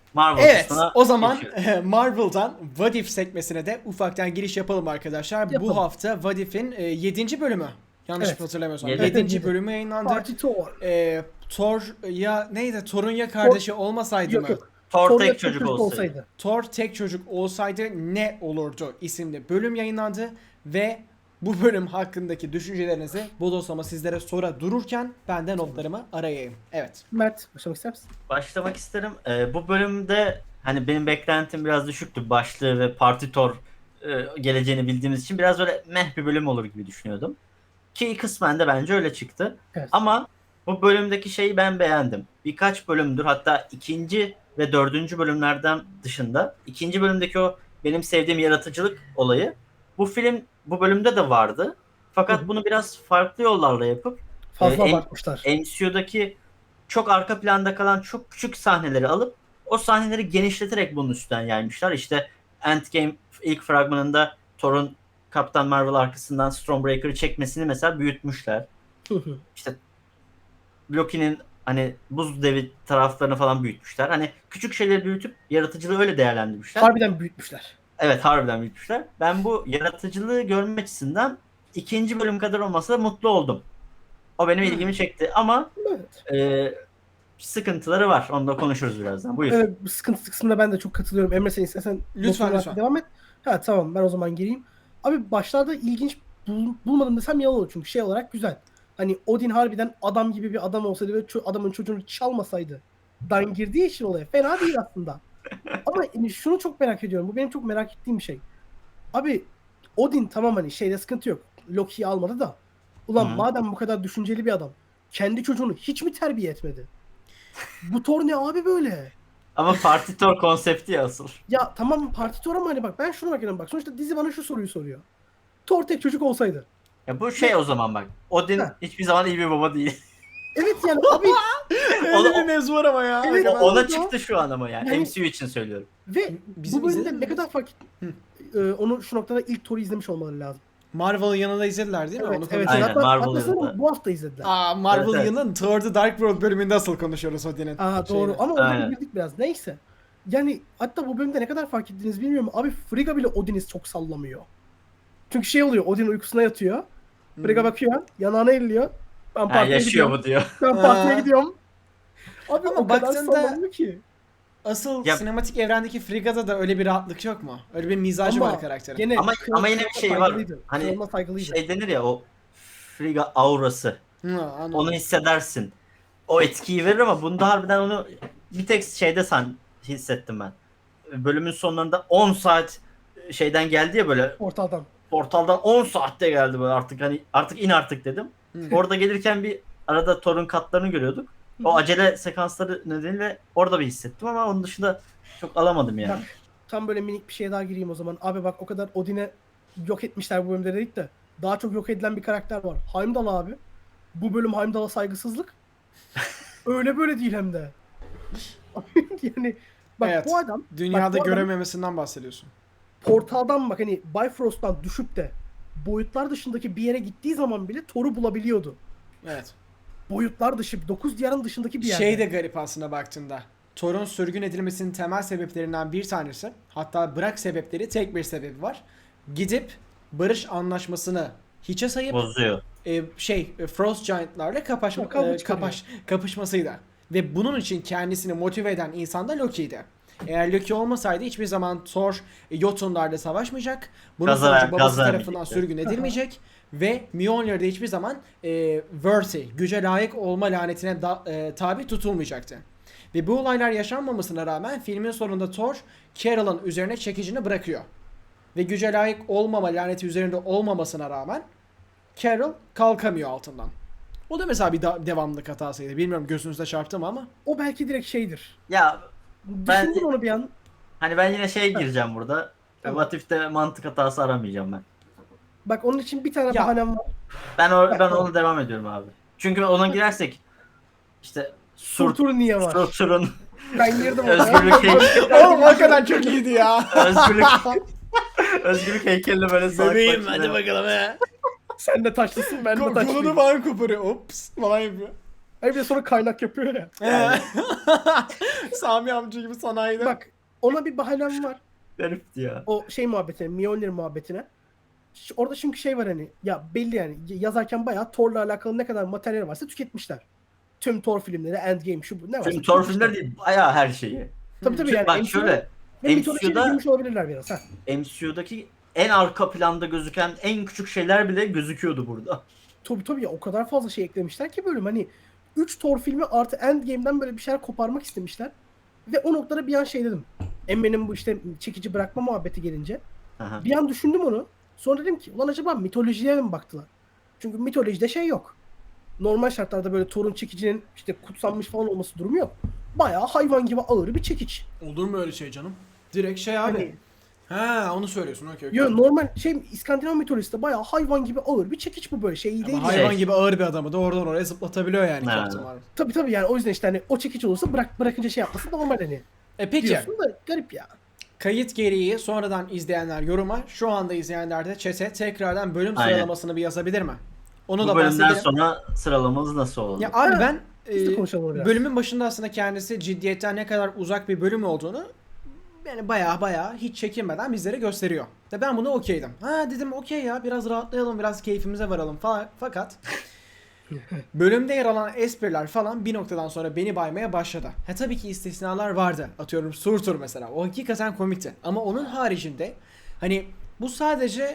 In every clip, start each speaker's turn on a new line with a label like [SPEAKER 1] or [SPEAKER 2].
[SPEAKER 1] Marvel
[SPEAKER 2] Evet,
[SPEAKER 1] kısmına
[SPEAKER 2] o zaman
[SPEAKER 1] geçiyoruz.
[SPEAKER 2] Marvel'dan What If sekmesine de ufaktan giriş yapalım arkadaşlar. Bu
[SPEAKER 3] Yapalım.
[SPEAKER 2] hafta What If'in 7. bölümü. Yanlış
[SPEAKER 3] Evet.
[SPEAKER 2] hatırlamıyorsam.
[SPEAKER 1] Yedi.
[SPEAKER 2] 7.
[SPEAKER 3] Evet, yedi.
[SPEAKER 2] bölümü yayınlandı.
[SPEAKER 3] Party Thor.
[SPEAKER 2] Thor ya neydi? Thor'un ya kardeşi olmasaydı
[SPEAKER 3] Yok
[SPEAKER 2] mı?
[SPEAKER 3] yok.
[SPEAKER 1] Thor
[SPEAKER 3] Thor
[SPEAKER 1] tek
[SPEAKER 3] tek
[SPEAKER 1] çocuk olsaydı.
[SPEAKER 2] Thor tek çocuk olsaydı ne olurdu isimli bölüm yayınlandı ve bu bölüm hakkındaki düşüncelerinizi bodoslama sizlere sonra dururken ben de notlarımı arayayım. Evet.
[SPEAKER 3] Mert başlamak ister misin?
[SPEAKER 1] Başlamak isterim. Bu bölümde hani benim beklentim biraz düşüktü. Başlığı ve Party Thor geleceğini bildiğimiz için biraz öyle meh bir bölüm olur gibi düşünüyordum. Ki kısmen de bence öyle çıktı.
[SPEAKER 3] Evet.
[SPEAKER 1] Ama bu bölümdeki şeyi ben beğendim. Birkaç bölümdür, hatta ikinci ve dördüncü bölümlerden dışında ikinci bölümdeki o benim sevdiğim yaratıcılık olayı bu bölümde de vardı. Fakat bunu biraz farklı yollarla yapıp
[SPEAKER 3] Fazla
[SPEAKER 1] e,
[SPEAKER 3] abartmışlar.
[SPEAKER 1] MCU'daki çok arka planda kalan çok küçük sahneleri alıp o sahneleri genişleterek bunun üstünden yaymışlar. İşte Endgame ilk fragmanında Thor'un Kaptan Marvel arkasından Stormbreaker'ı çekmesini mesela büyütmüşler. İşte Loki'nin hani buz devi taraflarını falan büyütmüşler. Hani küçük şeyleri büyütüp yaratıcılığı öyle değerlendirmişler.
[SPEAKER 3] Harbiden büyütmüşler.
[SPEAKER 1] Evet, harbiden büyütmüşler. Ben bu yaratıcılığı görmek açısından ikinci bölüm kadar olmasa da mutlu oldum. O benim ilgimi çekti ama
[SPEAKER 3] Evet.
[SPEAKER 1] sıkıntıları var. Onu da konuşuruz birazdan. Buyur.
[SPEAKER 3] Evet, bu sıkıntı kısmında ben de çok katılıyorum. Emre sen istersen
[SPEAKER 2] Lütfen,
[SPEAKER 3] notunu
[SPEAKER 2] lütfen.
[SPEAKER 3] devam et. Ha tamam, ben o zaman gireyim. Abi başlarda ilginç bulmadım desem yalan olur, çünkü şey olarak güzel. Hani Odin harbiden adam gibi bir adam olsaydı ve adamın çocuğunu çalmasaydı dan girdiği için olaya fena değil aslında. Ama yani şunu çok merak ediyorum. Bu benim çok merak ettiğim bir şey. Abi Odin tamam, hani şeyde sıkıntı yok. Loki'yi almadı da. Ulan
[SPEAKER 1] Hı.
[SPEAKER 3] madem bu kadar düşünceli bir adam, kendi çocuğunu hiç mi terbiye etmedi? Bu Thor ne abi böyle?
[SPEAKER 1] Ama Party Thor konsepti ya asıl.
[SPEAKER 3] Ya tamam partitör, ama hani bak ben şunu bakıyorum, bak sonuçta dizi bana şu soruyu soruyor. Thor tek çocuk olsaydı.
[SPEAKER 1] Ya bu şey o zaman bak. Odin
[SPEAKER 3] Heh.
[SPEAKER 1] hiçbir zaman iyi bir baba değil.
[SPEAKER 3] Evet yani abi
[SPEAKER 2] Öyle bir mevzu var ama ya.
[SPEAKER 3] Evet.
[SPEAKER 1] Ona
[SPEAKER 3] Oldu.
[SPEAKER 1] çıktı şu an ama yani.
[SPEAKER 3] Yani-
[SPEAKER 1] MCU için söylüyorum.
[SPEAKER 3] ve
[SPEAKER 2] Bizim
[SPEAKER 3] bu bölümde
[SPEAKER 2] izledin
[SPEAKER 3] ne
[SPEAKER 2] mi
[SPEAKER 3] kadar
[SPEAKER 2] biz?
[SPEAKER 3] fark onu şu noktada ilk Thor'u izlemiş olmaları lazım.
[SPEAKER 2] Marvel'ın yanında izlediler değil mi?
[SPEAKER 3] Evet,
[SPEAKER 2] Onu
[SPEAKER 3] evet.
[SPEAKER 1] Aynen,
[SPEAKER 3] Hatta,
[SPEAKER 1] Marvel
[SPEAKER 3] hatta sanırım
[SPEAKER 1] yanında.
[SPEAKER 3] bu hafta izlediler.
[SPEAKER 2] Marvel
[SPEAKER 1] Evet, evet.
[SPEAKER 2] yanının Thor The Dark World bölümünde asıl konuşuyoruz Odin'in.
[SPEAKER 3] Doğru, ama orada
[SPEAKER 1] Aynen.
[SPEAKER 3] bildik biraz. Neyse. Yani hatta bu bölümde ne kadar fark ettiniz bilmiyorum. Abi Frigga bile Odin'i çok sallamıyor. Çünkü şey oluyor, Odin uykusuna yatıyor. Frigga bakıyor, yanağına elliyor. Ben
[SPEAKER 1] Ha,
[SPEAKER 3] partiye
[SPEAKER 1] yaşıyor
[SPEAKER 3] gidiyorum.
[SPEAKER 1] bu diyor.
[SPEAKER 3] Ben partiye gidiyorum. Abi
[SPEAKER 2] Ama
[SPEAKER 3] o kadar
[SPEAKER 2] baktığında-
[SPEAKER 3] sallamıyor ki.
[SPEAKER 2] Asıl
[SPEAKER 1] Ya-
[SPEAKER 2] sinematik evrendeki Frigga'da da öyle bir rahatlık yok mu? Öyle bir mizacı var karakterin.
[SPEAKER 3] Gene
[SPEAKER 1] Ama yine bir şey var.
[SPEAKER 3] saygılıydı.
[SPEAKER 1] Hani
[SPEAKER 3] Kralına saygılıydı.
[SPEAKER 1] şey denir ya, o Frigga aurası.
[SPEAKER 2] Hı, anladım.
[SPEAKER 1] Onu hissedersin. O etkiyi verir ama bunda harbiden onu bir tek şeyde hissettim ben. Bölümün sonlarında 10 saat şeyden geldi ya, böyle
[SPEAKER 3] Portaldan.
[SPEAKER 1] portaldan 10 saatte geldi böyle, artık hani artık in artık dedim.
[SPEAKER 2] Hı.
[SPEAKER 1] Orada gelirken bir arada Thor'un katlarını görüyorduk. O acele sekansları nedeniyle orada bir hissettim ama onun dışında çok alamadım yani.
[SPEAKER 3] Bak, tam böyle minik bir şeye daha gireyim o zaman. Abi bak, o kadar Odin'e yok etmişler bu bölümde dedik de. Daha çok yok edilen bir karakter var. Heimdall abi. Bu bölüm Heimdall'a saygısızlık. Öyle böyle değil hem de. Yani bak
[SPEAKER 2] Evet.
[SPEAKER 3] bu adam
[SPEAKER 2] Dünyada
[SPEAKER 3] bak, bu adam
[SPEAKER 2] görememesinden bahsediyorsun.
[SPEAKER 3] portaldan, bak hani Bifrost'tan düşüp de boyutlar dışındaki bir yere gittiği zaman bile Thor'u bulabiliyordu.
[SPEAKER 2] Evet.
[SPEAKER 3] Boyutlar dışı, 9 diyarın dışındaki bir yerde.
[SPEAKER 2] Şey de garip aslında baktığında. Thor'un sürgün edilmesinin temel sebeplerinden bir tanesi, hatta bırak sebepleri, tek bir sebebi var. Gidip barış anlaşmasını hiçe sayıp
[SPEAKER 1] Bozuyor.
[SPEAKER 2] Frost Giant'larla
[SPEAKER 3] Kavga çıkarıyor.
[SPEAKER 2] kapışmasıydı. Ve bunun için kendisini motive eden insan da Loki'ydi. Eğer Loki olmasaydı hiçbir zaman Thor Jotunlarla savaşmayacak. Bunun sonucu babası tarafından
[SPEAKER 1] vermeyecekti.
[SPEAKER 2] sürgün edilmeyecek. Ve Mjolnir'de hiçbir zaman worthy, güce layık olma lanetine tabi tutulmayacaktı. Ve bu olaylar yaşanmamasına rağmen filmin sonunda Thor, Carol'ın üzerine çekicini bırakıyor. Ve güce layık olmama laneti üzerinde olmamasına rağmen Carol kalkamıyor altından. O da mesela bir devamlılık hatasıydı. Bilmiyorum gözünüzde çarptı mı ama.
[SPEAKER 3] O belki direkt şeydir.
[SPEAKER 1] Ya
[SPEAKER 3] Düşündüm onu bir an.
[SPEAKER 1] hani ben yine gireceğim burada.
[SPEAKER 3] Tamam.
[SPEAKER 1] What If'te mantık hatası aramayacağım ben.
[SPEAKER 3] Bak onun için bir tane
[SPEAKER 2] Ya.
[SPEAKER 3] bahanem var.
[SPEAKER 1] Ben onu devam ediyorum abi. Çünkü ona girersek işte
[SPEAKER 3] Surtur niye var?
[SPEAKER 1] Surtur'un
[SPEAKER 3] Ben girdim
[SPEAKER 1] özgürlük heykeli,
[SPEAKER 2] Oğlum o kadar çok iyiydi ya.
[SPEAKER 1] özgürlük heykeline böyle salak
[SPEAKER 2] Bebeğim
[SPEAKER 1] bak
[SPEAKER 2] hadi
[SPEAKER 1] yine.
[SPEAKER 2] bakalım he.
[SPEAKER 3] Sen de taşlısın, ben de
[SPEAKER 2] Kolunu
[SPEAKER 3] taşlıyım.
[SPEAKER 2] falan koparıyor. Ops falan yapıyor.
[SPEAKER 3] Hani bir de sonra kaynak yapıyor ya.
[SPEAKER 2] Sami amca gibi sanayide.
[SPEAKER 3] Bak ona bir bahanem var.
[SPEAKER 1] Garipti ya.
[SPEAKER 3] O şey muhabbetine, Mjolnir muhabbetine. Orada çünkü şey var hani ya belli yani yazarken bayağı Thor'la alakalı ne kadar materyal varsa tüketmişler. Tüm Thor filmleri, Endgame şu bu ne varsa
[SPEAKER 1] Çünkü Thor
[SPEAKER 3] tüketmişler.
[SPEAKER 1] filmleri değil, bayağı her şeyi.
[SPEAKER 3] Tabii
[SPEAKER 1] Çünkü
[SPEAKER 3] yani
[SPEAKER 1] bak
[SPEAKER 3] MCU
[SPEAKER 1] şöyle,
[SPEAKER 3] ve mitolojiye de
[SPEAKER 1] MCU'da
[SPEAKER 3] girmiş olabilirler biraz. Ha.
[SPEAKER 1] MCU'daki en arka planda gözüken en küçük şeyler bile gözüküyordu burada.
[SPEAKER 3] Tabii ya o kadar fazla şey eklemişler ki bölüm hani 3 Thor filmi artı Endgame'den böyle bir şeyler koparmak istemişler. Ve o noktada bir an şey dedim. Emre'nin bu işte çekici bırakma muhabbeti gelince
[SPEAKER 1] Aha.
[SPEAKER 3] bir an düşündüm onu. Sonra dedim ki ulan acaba mitolojiye mi baktılar? Çünkü mitolojide şey yok. Normal şartlarda böyle Thor'un çekicinin işte kutsanmış falan olması durumu yok. Bayağı hayvan gibi ağır bir çekiç.
[SPEAKER 2] Olur mu öyle şey canım? Direkt şey abi.
[SPEAKER 3] Hani-
[SPEAKER 2] Ha onu söylüyorsun. Okey.
[SPEAKER 3] Yo, normal şey İskandinav mitolojisinde bayağı hayvan gibi ağır bir çekiç bu böyle şey değil.
[SPEAKER 2] Ama
[SPEAKER 3] yani.
[SPEAKER 2] hayvan gibi ağır bir adamı da oradan oraya zıplatabiliyor yani
[SPEAKER 1] Ha.
[SPEAKER 2] Captain Marvel.
[SPEAKER 3] Tabii yani o yüzden işte hani o çekiç olursa bırakınca şey yapması normal hani.
[SPEAKER 2] Peki.
[SPEAKER 3] Diyorsun da garip ya.
[SPEAKER 2] Kayıt gereği sonradan izleyenler yoruma, şu anda izleyenler de chat'e tekrardan bölüm
[SPEAKER 1] Aynen.
[SPEAKER 2] sıralamasını bir yazabilir mi? Onu
[SPEAKER 1] Bu
[SPEAKER 2] da
[SPEAKER 1] bölümden
[SPEAKER 2] bahsedelim.
[SPEAKER 1] sonra sıralamamız nasıl oldu?
[SPEAKER 2] Ya abi
[SPEAKER 3] Ha,
[SPEAKER 2] ben
[SPEAKER 3] biz de konuşalım onu biraz.
[SPEAKER 2] bölümün başında aslında kendisi ciddiyetten ne kadar uzak bir bölüm olduğunu yani baya hiç çekinmeden bizlere gösteriyor. Ve ben buna okeydim. Ha dedim okey ya biraz rahatlayalım, biraz keyfimize varalım falan. Fakat bölümde yer alan espriler falan bir noktadan sonra beni baymaya başladı. Ha tabii ki istisnalar vardı. Atıyorum Surtur mesela. O hakikaten komikti. Ama onun haricinde hani bu sadece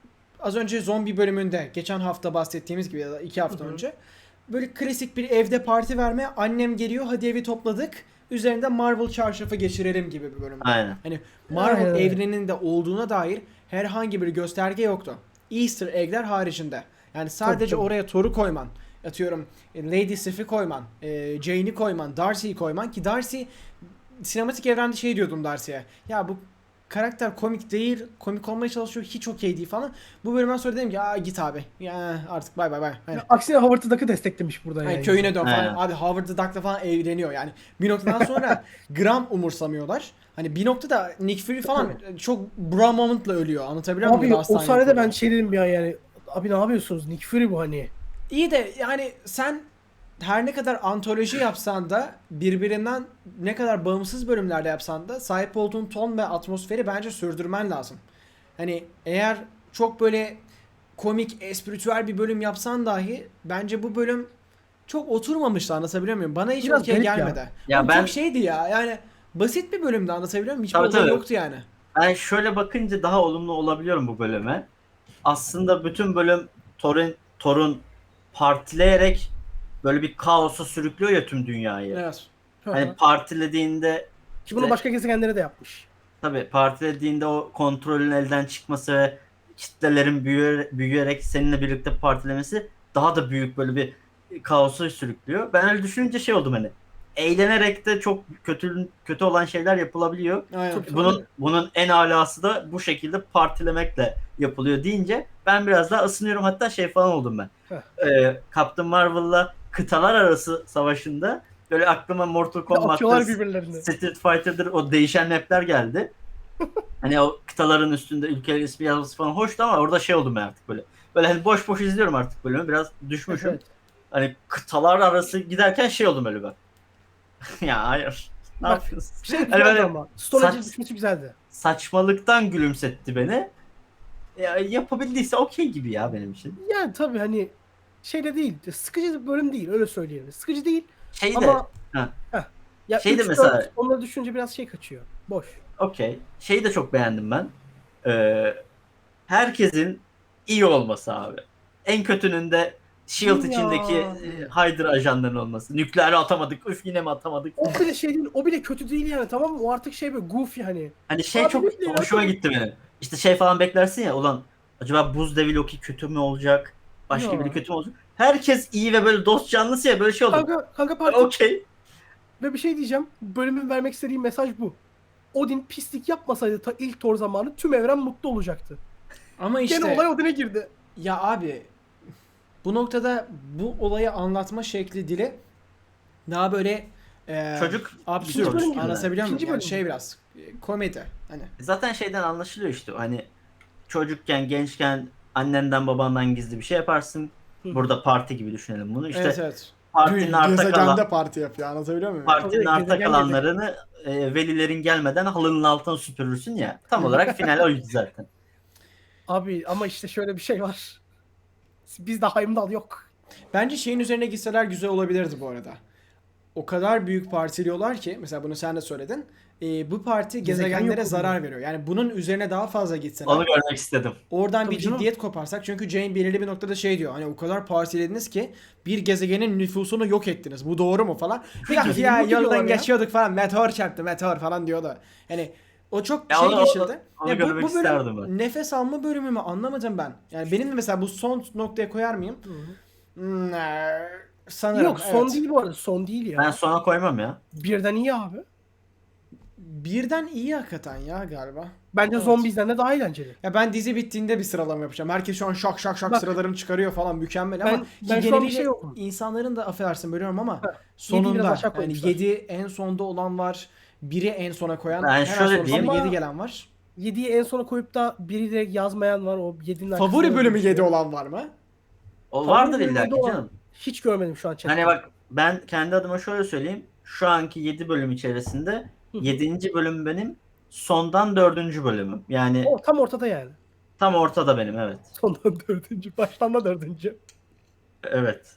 [SPEAKER 2] az önce zombi bölümünde geçen hafta bahsettiğimiz gibi ya da 2 hafta önce böyle klasik bir evde parti verme, annem geliyor hadi evi topladık üzerinde Marvel çarşafı geçirelim gibi bir bölüm.
[SPEAKER 1] Aynen.
[SPEAKER 2] Hani Marvel
[SPEAKER 3] Aynen öyle.
[SPEAKER 2] evreninde olduğuna dair herhangi bir gösterge yoktu. Easter egg'ler haricinde. Yani sadece
[SPEAKER 3] Tabii.
[SPEAKER 2] oraya Thor'u koyman, atıyorum Lady Sif'i koyman, Jane'i koyman, Darcy'yi koyman ki Darcy sinematik evrende şey diyordum Darcy'ye. Ya bu karakter komik değil, komik olmaya çalışıyor, hiç okey değil falan. Bu bölümden sonra dedim ki aa git abi. Ya artık bay. Hani,
[SPEAKER 3] Aksine Howard the Duck'ı desteklemiş burada
[SPEAKER 2] hani
[SPEAKER 3] yani.
[SPEAKER 2] köyüne dön falan.
[SPEAKER 1] Aynen.
[SPEAKER 2] Abi Howard the Duck'la falan eğleniyor yani. Bir noktadan sonra gram umursamıyorlar. Hani bir noktada Nick Fury falan çok bra moment'la ölüyor. Anlatabiliyor muyum?
[SPEAKER 3] Abi o
[SPEAKER 2] Hastaneye
[SPEAKER 3] sahnede ben
[SPEAKER 2] koyuyor.
[SPEAKER 3] şey dedim bir an yani. Abi ne yapıyorsunuz? Nick Fury bu hani.
[SPEAKER 2] İyi de yani sen her ne kadar antoloji yapsan da birbirinden ne kadar bağımsız bölümlerde yapsan da sahip olduğun ton ve atmosferi bence sürdürmen lazım. Hani eğer çok böyle komik, espritüel bir bölüm yapsan dahi bence bu bölüm çok oturmamıştı, anlatabiliyor muyum? Bana hiç
[SPEAKER 3] Biraz
[SPEAKER 2] okey
[SPEAKER 3] garip ya.
[SPEAKER 2] gelmedi.
[SPEAKER 1] Ya
[SPEAKER 2] Oğlum
[SPEAKER 1] ben-
[SPEAKER 2] çok şeydi ya yani basit bir bölümdü, anlatabiliyor muyum? Hiçbir
[SPEAKER 1] Tabii,
[SPEAKER 2] olay
[SPEAKER 1] tabii.
[SPEAKER 2] yoktu yani.
[SPEAKER 1] Ben şöyle bakınca daha olumlu olabiliyorum bu bölüme. Aslında bütün bölüm Thor'un partileyerek böyle bir kaosa sürüklüyor ya tüm dünyayı.
[SPEAKER 2] Evet.
[SPEAKER 1] Hani partilediğinde
[SPEAKER 3] Ki bunu başka gezegenlere de yapmış.
[SPEAKER 1] tabii partilediğinde o kontrolün elden çıkması ve kitlelerin büyüyerek seninle birlikte partilemesi daha da büyük böyle bir kaosa sürüklüyor. Ben öyle düşününce şey oldum hani. Eğlenerek de çok kötü olan şeyler yapılabiliyor.
[SPEAKER 2] Aynen.
[SPEAKER 3] Çok-
[SPEAKER 1] Bunun en alası da bu şekilde partilemekle yapılıyor deyince ben biraz daha ısınıyorum. Hatta şey falan oldum ben. Captain Marvel'la kıtalar arası savaşında böyle aklıma Mortal
[SPEAKER 3] Atıyorlar
[SPEAKER 1] Kombat'ta,
[SPEAKER 3] birbirlerine.
[SPEAKER 1] Street Fighter'dır o değişen map'ler geldi. Hani o kıtaların üstünde ülkeler ismi yazması falan hoştu ama orada şey oldum ben artık böyle. Böyle hani boş boş izliyorum artık bölümü. Biraz düşmüşüm.
[SPEAKER 3] Evet.
[SPEAKER 1] Hani kıtalar arası giderken şey oldum öyle ben. Ya hayır. Ne
[SPEAKER 3] Bak,
[SPEAKER 1] yapıyorsun?
[SPEAKER 3] Şey
[SPEAKER 1] Hani
[SPEAKER 3] güzeldi
[SPEAKER 1] böyle
[SPEAKER 3] ama. Storage'in
[SPEAKER 1] saç-
[SPEAKER 3] düşmesi güzeldi.
[SPEAKER 1] saçmalıktan gülümsetti beni. Ya, yapabildiyse okey gibi ya benim için.
[SPEAKER 3] Yani tabii hani şey de değil. Sıkıcı bir bölüm değil öyle söyleyelim. Sıkıcı değil
[SPEAKER 1] Şey de
[SPEAKER 3] ama
[SPEAKER 1] ha.
[SPEAKER 3] ya
[SPEAKER 1] Şey de
[SPEAKER 3] 3,
[SPEAKER 1] mesela-
[SPEAKER 3] 4 onları düşünce biraz şey kaçıyor. Boş.
[SPEAKER 1] okey. Şeyi de çok beğendim ben. Herkesin iyi olması abi. En kötünün de Shield
[SPEAKER 3] Ya.
[SPEAKER 1] içindeki Hydra ajanların olması. Nükleeri atamadık. Üf yine mi atamadık?
[SPEAKER 3] O bile şey değil, o bile kötü değil yani tamam mı? O artık şey böyle goofy hani.
[SPEAKER 1] Hani şey
[SPEAKER 3] Abi
[SPEAKER 1] çok
[SPEAKER 3] nükleeri
[SPEAKER 1] hoşuma
[SPEAKER 3] atamadık.
[SPEAKER 1] gitti benim. İşte şey falan beklersin ya ulan acaba Buz Devi Loki kötü mü olacak? Başka
[SPEAKER 3] Ya.
[SPEAKER 1] biri kötü mü olacak? Herkes iyi ve böyle dost canlısı ya böyle şey oldu.
[SPEAKER 3] Kanka parti
[SPEAKER 1] Okey.
[SPEAKER 3] ve bir şey diyeceğim. Bölümün vermek istediği mesaj bu. Odin pislik yapmasaydı ta ilk Thor zamanı tüm evren mutlu olacaktı.
[SPEAKER 2] Ama işte
[SPEAKER 3] Gene olay Odin'e girdi.
[SPEAKER 2] ya abi bu noktada bu olayı anlatma şekli dili daha böyle
[SPEAKER 1] Çocuk
[SPEAKER 2] absürt,
[SPEAKER 3] İkinci bölüm gibi.
[SPEAKER 2] anlatabiliyor muyum?
[SPEAKER 3] İkinci
[SPEAKER 2] Yani
[SPEAKER 3] bölüm
[SPEAKER 2] şey
[SPEAKER 3] gibi.
[SPEAKER 2] biraz komedi hani.
[SPEAKER 1] zaten şeyden anlaşılıyor işte hani çocukken gençken annenden babandan gizli bir şey yaparsın.
[SPEAKER 3] Hı.
[SPEAKER 1] Burada parti gibi düşünelim bunu. İşte
[SPEAKER 2] Evet evet.
[SPEAKER 1] partinin arta kalan
[SPEAKER 2] Gezegende parti yapıyor, anlatabiliyor muyum?
[SPEAKER 1] partinin
[SPEAKER 3] Tabii,
[SPEAKER 1] arta
[SPEAKER 3] gezegen
[SPEAKER 1] kalanlarını velilerin gelmeden halının altına süpürürsün ya. Tam olarak final oydu zaten.
[SPEAKER 3] Abi ama işte şöyle bir şey var. Bizde Heimdall yok.
[SPEAKER 2] Bence şeyin üzerine gitseler güzel olabilirdi bu arada. O kadar büyük partiliyorlar ki, mesela bunu sen de söyledin. Bu parti
[SPEAKER 3] Gezegen
[SPEAKER 2] gezegenlere
[SPEAKER 3] yok
[SPEAKER 2] zarar
[SPEAKER 3] oluyor.
[SPEAKER 2] veriyor. Yani bunun üzerine daha fazla gitseler.
[SPEAKER 1] Onu görmek istedim.
[SPEAKER 2] Oradan
[SPEAKER 3] Tabii
[SPEAKER 2] bir
[SPEAKER 3] canım.
[SPEAKER 2] ciddiyet koparsak, çünkü Jane belirli bir noktada şey diyor, hani o kadar partilediniz ki bir gezegenin nüfusunu yok ettiniz, bu doğru mu falan. Peki
[SPEAKER 3] gezegeni
[SPEAKER 2] ya
[SPEAKER 3] yok ediyorlar
[SPEAKER 2] yoldan
[SPEAKER 3] ya.
[SPEAKER 2] geçiyorduk falan, meteor çarptı, meteor falan diyordu. Yani o çok
[SPEAKER 1] Ya
[SPEAKER 2] şey
[SPEAKER 1] onu-
[SPEAKER 2] geçildi.
[SPEAKER 1] onu
[SPEAKER 2] Ya
[SPEAKER 1] görmek
[SPEAKER 2] bu
[SPEAKER 1] isterdim
[SPEAKER 2] bölüm
[SPEAKER 1] ben.
[SPEAKER 2] nefes alma bölümü mü anlamadım ben. Yani benim de mesela bu son noktaya koyar mıyım? Sanırım
[SPEAKER 3] Yok son
[SPEAKER 2] evet.
[SPEAKER 3] değil bu arada. Son değil ya.
[SPEAKER 1] Ben sona koymam ya.
[SPEAKER 3] Birden iyi abi.
[SPEAKER 2] Birden iyi hakikaten ya galiba.
[SPEAKER 3] Bence
[SPEAKER 2] Evet.
[SPEAKER 3] Zombies'den de daha eğlenceli.
[SPEAKER 2] Ya ben dizi bittiğinde bir sıralama yapacağım. Herkes şu an şak şak şak
[SPEAKER 3] Bak,
[SPEAKER 2] sıralarını çıkarıyor falan, mükemmel ama
[SPEAKER 3] ben
[SPEAKER 2] ki
[SPEAKER 3] şu an bir
[SPEAKER 2] geneliyle
[SPEAKER 3] şey yokum.
[SPEAKER 2] insanların da, affedersin bölüyorum ama
[SPEAKER 3] Heh, 7'yi
[SPEAKER 2] sonunda
[SPEAKER 3] biraz aşağı
[SPEAKER 2] yani
[SPEAKER 3] koymuşlar.
[SPEAKER 2] 7 en sonda olan var. 1'i en sona koyan,
[SPEAKER 1] Ben
[SPEAKER 2] hemen
[SPEAKER 1] şöyle
[SPEAKER 2] sonrasında
[SPEAKER 1] diyeyim.
[SPEAKER 2] 7 gelen var.
[SPEAKER 3] 7'yi en sona koyup da biri de yazmayan var. O 7'nin arkasında
[SPEAKER 2] Favori bölümü
[SPEAKER 3] yazıyor.
[SPEAKER 2] 7 olan var mı?
[SPEAKER 1] O
[SPEAKER 3] Favori
[SPEAKER 1] vardır
[SPEAKER 3] bölümü
[SPEAKER 1] illa
[SPEAKER 3] yedi
[SPEAKER 1] ki
[SPEAKER 3] olan
[SPEAKER 1] canım.
[SPEAKER 3] hiç görmedim şu an chatte.
[SPEAKER 1] Hani bak ben kendi adıma şöyle söyleyeyim. Şu anki 7 bölüm içerisinde
[SPEAKER 3] Hı hı.
[SPEAKER 1] 7. bölüm benim, sondan 4. bölümüm. Yani
[SPEAKER 3] O tam ortada yani.
[SPEAKER 1] tam ortada benim, evet.
[SPEAKER 3] Sondan 4. Baştan da 4.
[SPEAKER 1] Evet.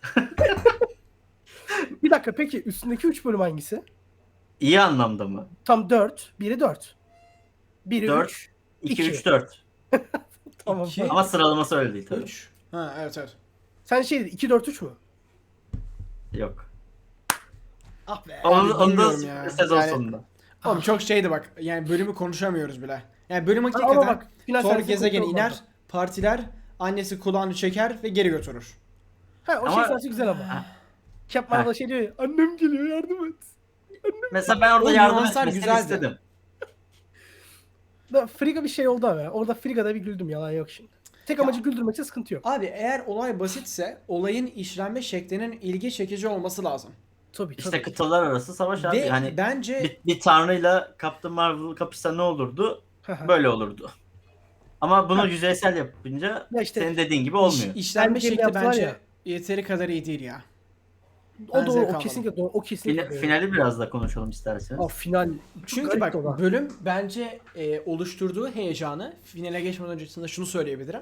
[SPEAKER 3] Bir dakika peki üstündeki 3 bölüm hangisi?
[SPEAKER 1] İyi anlamda mı?
[SPEAKER 3] Tam 4. Biri 4. Biri
[SPEAKER 1] 4,
[SPEAKER 3] 3.
[SPEAKER 1] 2,
[SPEAKER 3] İki.
[SPEAKER 1] 3, 4.
[SPEAKER 3] Tamam.
[SPEAKER 2] İki.
[SPEAKER 1] Ama sıralaması öyle değil tabii.
[SPEAKER 2] 3. Ha evet evet.
[SPEAKER 3] Sen şey dedin 2 4 3 mü?
[SPEAKER 1] Yok.
[SPEAKER 3] Ah be.
[SPEAKER 1] Onu da
[SPEAKER 2] bilmiyorum ya.
[SPEAKER 1] sezon
[SPEAKER 2] Yani-
[SPEAKER 1] sonunda.
[SPEAKER 2] Oğlum çok şeydi bak. Yani bölümü konuşamıyoruz bile. Yani bölüm
[SPEAKER 3] Ama
[SPEAKER 2] hakikaten
[SPEAKER 3] bak, final
[SPEAKER 2] Thor
[SPEAKER 3] sahnesini
[SPEAKER 2] gezegeni
[SPEAKER 3] konuşalım
[SPEAKER 2] iner, partiler, annesi kulağını çeker ve geri götürür.
[SPEAKER 3] Ha o
[SPEAKER 1] Ama-
[SPEAKER 3] şey sahnesi güzel ama. Capman
[SPEAKER 1] Ha.
[SPEAKER 3] da şey diyor ya, annem geliyor yardım et.
[SPEAKER 1] Mesela ben orada
[SPEAKER 2] O
[SPEAKER 1] yardım
[SPEAKER 2] nüanslar
[SPEAKER 1] etmesini
[SPEAKER 2] güzeldi.
[SPEAKER 1] istedim.
[SPEAKER 3] Da Frigga bir şey oldu ama. Orada Frigga'da bir güldüm, yalan yok şimdi. Tek amacı güldürmekse sıkıntı yok.
[SPEAKER 2] Abi eğer olay basitse olayın işlenme şeklinin ilgi çekici olması lazım.
[SPEAKER 3] Tabii
[SPEAKER 1] İşte
[SPEAKER 3] tabii.
[SPEAKER 1] kıtalar arası savaş abi.
[SPEAKER 2] Ve
[SPEAKER 1] Hani
[SPEAKER 2] bence
[SPEAKER 1] bir tanrıyla Captain Marvel kapışsa ne olurdu?
[SPEAKER 3] Haha.
[SPEAKER 1] Böyle olurdu. Ama bunu
[SPEAKER 3] Ha.
[SPEAKER 1] yüzeysel yapınca
[SPEAKER 3] Ya işte
[SPEAKER 1] senin dediğin gibi olmuyor.
[SPEAKER 2] işlenme
[SPEAKER 3] Bence
[SPEAKER 2] şekli
[SPEAKER 3] yaptılar
[SPEAKER 2] bence
[SPEAKER 3] ya.
[SPEAKER 2] yeteri kadar iyi değil ya.
[SPEAKER 3] O
[SPEAKER 2] Ben
[SPEAKER 3] doğru,
[SPEAKER 2] zevk
[SPEAKER 3] o
[SPEAKER 2] almadım.
[SPEAKER 3] kesinlikle doğru. O kesinlikle doğru.
[SPEAKER 1] Finali biraz da konuşalım isterseniz.
[SPEAKER 3] Aa, final.
[SPEAKER 2] Çünkü
[SPEAKER 3] Garip
[SPEAKER 2] bak
[SPEAKER 3] o da.
[SPEAKER 2] bölüm bence oluşturduğu heyecanı, finale geçmeden öncesinde şunu söyleyebilirim.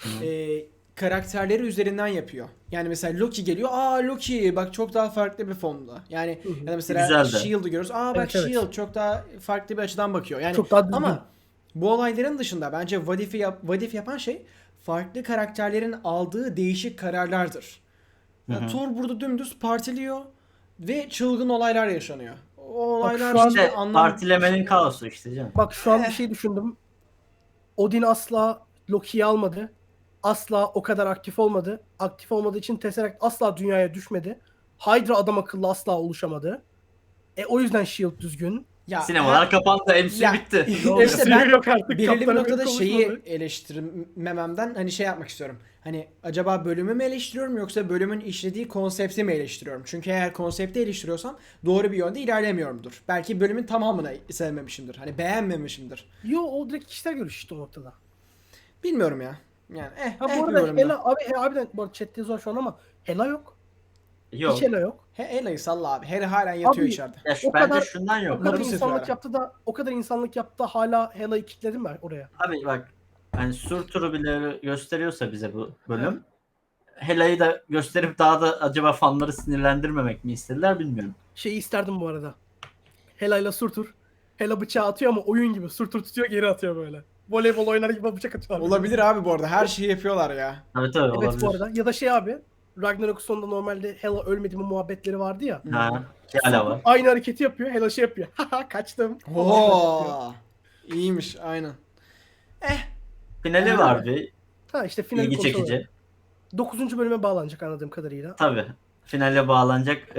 [SPEAKER 2] Karakterleri üzerinden yapıyor. Yani mesela Loki geliyor. Aa Loki bak çok daha farklı bir formda. Yani
[SPEAKER 3] Hı hı.
[SPEAKER 2] ya da mesela
[SPEAKER 1] Güzeldi.
[SPEAKER 2] Shield'ı görüyoruz. Aa bak
[SPEAKER 3] Evet, evet.
[SPEAKER 2] Shield çok daha farklı bir açıdan bakıyor. Yani
[SPEAKER 3] Çok daha düzgün.
[SPEAKER 2] ama bu olayların dışında bence What If yapan şey farklı karakterlerin aldığı değişik kararlardır. Yani
[SPEAKER 1] Hı hı.
[SPEAKER 2] Thor burada dümdüz partiliyor ve çılgın olaylar yaşanıyor. O olaylar
[SPEAKER 3] şu an-
[SPEAKER 1] İşte
[SPEAKER 2] anlam-
[SPEAKER 1] partilemenin kaosu işte canım.
[SPEAKER 3] Bak şu an bir şey düşündüm. Odin asla Loki'yi almadı. Asla o kadar aktif olmadı. Aktif olmadığı için Tesseract asla dünyaya düşmedi. Hydra adam akıllı asla oluşamadı. O yüzden Shield düzgün.
[SPEAKER 2] Ya,
[SPEAKER 1] Sinemalar kapandı, MCU
[SPEAKER 2] Ya-
[SPEAKER 1] bitti.
[SPEAKER 2] İşte ben
[SPEAKER 3] Yok artık,
[SPEAKER 2] belirli bir
[SPEAKER 3] Kaptan
[SPEAKER 2] noktada
[SPEAKER 3] Amerika
[SPEAKER 2] şeyi
[SPEAKER 3] konuşmadı.
[SPEAKER 2] eleştirmememden hani şey yapmak istiyorum. Hani acaba bölümü mü eleştiriyorum yoksa bölümün işlediği konsepti mi eleştiriyorum? Çünkü eğer konsepti eleştiriyorsam doğru bir yönde ilerlemiyorumdur. Belki bölümün tamamını sevmemişimdir. Hani beğenmemişimdir.
[SPEAKER 3] Yo, o direkt kişisel görüş işte o noktada.
[SPEAKER 2] Bilmiyorum ya. Yani
[SPEAKER 3] Ha bu
[SPEAKER 2] bir
[SPEAKER 3] arada
[SPEAKER 2] bölümde.
[SPEAKER 3] Hela abi harbiden bu arada chatte zor şu an ama Hela yok.
[SPEAKER 1] Yok.
[SPEAKER 3] Hiç Hela yok.
[SPEAKER 2] Ela'yı salla abi. Hela halen yatıyor
[SPEAKER 3] Abi,
[SPEAKER 2] içeride.
[SPEAKER 1] Ya
[SPEAKER 3] O
[SPEAKER 1] bence
[SPEAKER 3] kadar-
[SPEAKER 1] şundan
[SPEAKER 3] O
[SPEAKER 1] yok.
[SPEAKER 3] kadar
[SPEAKER 2] Mapus
[SPEAKER 3] insanlık
[SPEAKER 2] yapıyor
[SPEAKER 3] yaptı da hala Hela'yı kilitledim ben oraya.
[SPEAKER 1] Abi bak, hani Surtur'u bile gösteriyorsa bize bu bölüm, Hela'yı da gösterip daha da acaba fanları sinirlendirmemek mi istediler bilmiyorum.
[SPEAKER 3] Şeyi isterdim bu arada. Hela'yla Surtur. Hela bıçağı atıyor ama oyun gibi. Surtur tutuyor, geri atıyor böyle. Voleybol oynar gibi bıçak atıyorlar.
[SPEAKER 2] Olabilir abi bu arada. Her şeyi yapıyorlar ya.
[SPEAKER 1] Tabii tabii,
[SPEAKER 3] Evet
[SPEAKER 1] olabilir.
[SPEAKER 3] bu arada. Ya da şey abi. Ragnarok sonunda normalde Hela ölmedi mi muhabbetleri vardı ya.
[SPEAKER 1] Ha, hala var.
[SPEAKER 3] Aynı hareketi yapıyor. Hela şey yapıyor. Haha kaçtım.
[SPEAKER 2] Oo. İyiymiş aynen.
[SPEAKER 1] Finali var bir,
[SPEAKER 3] Ha işte finali
[SPEAKER 1] ilgi
[SPEAKER 3] konuşalım.
[SPEAKER 1] çekici.
[SPEAKER 3] 9. bölüme bağlanacak anladığım kadarıyla.
[SPEAKER 1] Tabii. Finale bağlanacak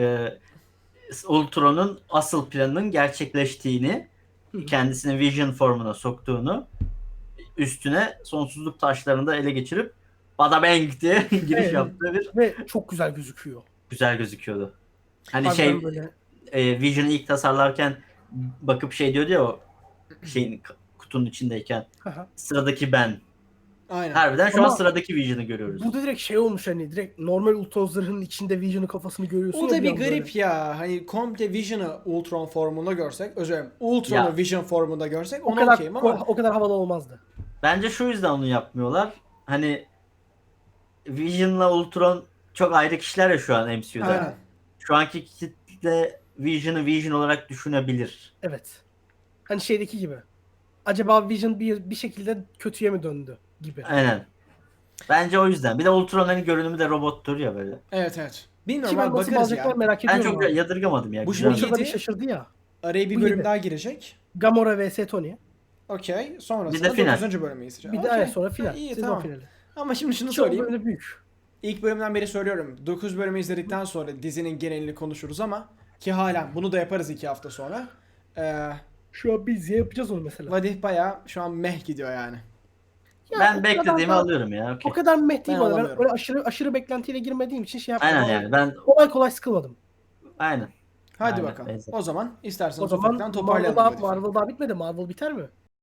[SPEAKER 1] Ultron'un asıl planının gerçekleştiğini, kendisini Vision formuna soktuğunu, üstüne sonsuzluk taşlarını da ele geçirip Bada Bang diye giriş
[SPEAKER 3] Evet.
[SPEAKER 1] yaptığı bir
[SPEAKER 3] Ve çok güzel gözüküyor.
[SPEAKER 1] güzel gözüküyordu. Hani
[SPEAKER 3] Harbiden böyle.
[SPEAKER 1] Vision'ı ilk tasarlarken bakıp şey diyordu ya, o şeyin kutunun içindeyken,
[SPEAKER 3] Haha.
[SPEAKER 1] sıradaki ben.
[SPEAKER 2] Aynen.
[SPEAKER 1] Harbiden şu an
[SPEAKER 3] Ama
[SPEAKER 1] sıradaki Vision'ı görüyoruz.
[SPEAKER 3] Burada direkt şey olmuş hani direkt normal Ultron zırhının içinde Vision'ın kafasını görüyorsun.
[SPEAKER 2] O
[SPEAKER 3] ya
[SPEAKER 2] da bir
[SPEAKER 3] anda
[SPEAKER 2] garip
[SPEAKER 3] böyle.
[SPEAKER 2] ya. Hani komple Vision'ı Ultron formunda görsek, özür dilerim, Ultron'u
[SPEAKER 1] Ya.
[SPEAKER 2] Vision formunda görsek
[SPEAKER 3] O
[SPEAKER 2] ona
[SPEAKER 3] kadar
[SPEAKER 2] okeyim ama
[SPEAKER 3] o kadar havalı olmazdı.
[SPEAKER 1] Bence şu yüzden onu yapmıyorlar. Hani Vision'la Ultron çok ayrı kişiler ya şu an MCU'da.
[SPEAKER 2] aynen.
[SPEAKER 1] Şu anki kitle Vision'ı Vision olarak düşünebilir.
[SPEAKER 3] Evet. Hani şeydeki gibi. Acaba Vision bir şekilde kötüye mi döndü gibi.
[SPEAKER 1] Aynen. Bence o yüzden. Bir de Ultron'un görünümü de robottur ya böyle.
[SPEAKER 2] Evet evet. Bilmiyorum
[SPEAKER 3] Ki ben
[SPEAKER 2] abi,
[SPEAKER 3] nasıl
[SPEAKER 2] bakarız
[SPEAKER 3] bağlayacaklar
[SPEAKER 2] ya.
[SPEAKER 3] merak
[SPEAKER 1] Ben
[SPEAKER 3] ediyorum
[SPEAKER 1] çok
[SPEAKER 3] abi.
[SPEAKER 1] yadırgamadım ya.
[SPEAKER 2] Bu
[SPEAKER 1] Güzel.
[SPEAKER 2] şimdi
[SPEAKER 3] Ultron'da bir
[SPEAKER 2] yedi.
[SPEAKER 3] şaşırdı ya.
[SPEAKER 2] Araya bir
[SPEAKER 3] Bu
[SPEAKER 2] bölüm
[SPEAKER 3] yedi.
[SPEAKER 2] daha girecek.
[SPEAKER 3] Gamora vs Tony.
[SPEAKER 2] Okey.
[SPEAKER 1] Bir de
[SPEAKER 2] Sonrasında
[SPEAKER 1] final.
[SPEAKER 2] 9. bölümü izleyeceğiz.
[SPEAKER 3] Bir de
[SPEAKER 2] Okey.
[SPEAKER 3] ay sonra final.
[SPEAKER 2] Ha, iyi,
[SPEAKER 3] Sezon
[SPEAKER 2] tamam.
[SPEAKER 3] finali.
[SPEAKER 2] Ama şimdi şunu
[SPEAKER 3] Çok
[SPEAKER 2] söyleyeyim.
[SPEAKER 3] böyle büyük.
[SPEAKER 2] İlk bölümden beri söylüyorum. 9 bölümü izledikten sonra dizinin genelini konuşuruz ama ki halen bunu da yaparız 2 hafta sonra.
[SPEAKER 3] Şu an biz yapacağız onu mesela.
[SPEAKER 2] Vadih bayağı şu an meh gidiyor yani.
[SPEAKER 3] Ya o
[SPEAKER 1] Ben
[SPEAKER 3] kadar
[SPEAKER 1] beklediğimi
[SPEAKER 3] da-
[SPEAKER 1] alıyorum ya.
[SPEAKER 3] O
[SPEAKER 1] Okey.
[SPEAKER 3] kadar meh değil
[SPEAKER 2] Ben
[SPEAKER 3] bana. Ben
[SPEAKER 2] alamıyorum.
[SPEAKER 3] öyle aşırı beklentiyle girmediğim için şey yapmadım.
[SPEAKER 1] Aynen
[SPEAKER 3] Ama
[SPEAKER 1] yani. Ben
[SPEAKER 3] kolay kolay sıkılmadım.
[SPEAKER 1] aynen.
[SPEAKER 2] Hadi
[SPEAKER 1] Aynen,
[SPEAKER 2] bakalım.
[SPEAKER 1] benzer.
[SPEAKER 2] O zaman
[SPEAKER 3] O
[SPEAKER 2] isterseniz
[SPEAKER 3] zaman
[SPEAKER 2] ufaktan toparlayalım. Vadif'i.
[SPEAKER 3] Marvel daha bitmedi. Marvel biter mi?